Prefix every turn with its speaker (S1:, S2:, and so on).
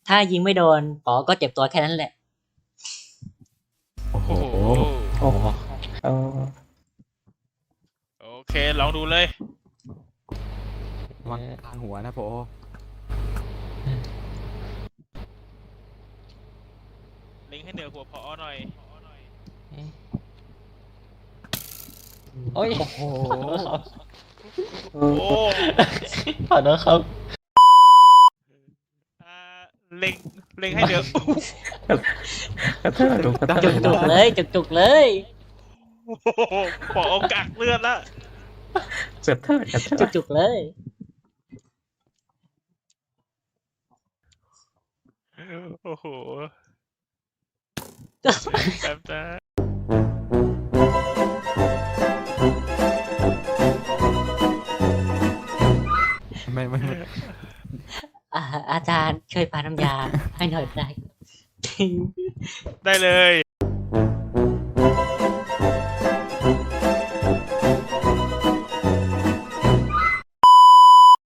S1: ถ้ายิงไม่โดนป๋อก็เจ็บตัวแค่นั้นแหละ
S2: โอ้โห
S3: โอ้โหเออ
S4: โอเคลองดูเลย
S2: วางกลางหัวนะโป
S4: ลิงให้เหนือหัวพอหน่อย
S1: โอ้ย
S2: โอ้โห
S4: โอ้
S3: ขอโทษครับ
S4: อ่าเล็งเล็งให้เหนือ
S3: กระเทิดกระเทิด
S1: จุกๆเลยจุกๆเลย
S4: โอ้โหปอเอากักเลือดละ
S3: กระเทิดกระเทิด
S1: จุกๆเลย
S4: โอ้โหแป๊บนะ
S2: ไม่
S1: อาจารย์ช่วยปาน้ำยาให้หน่อยได้
S4: ได้เลย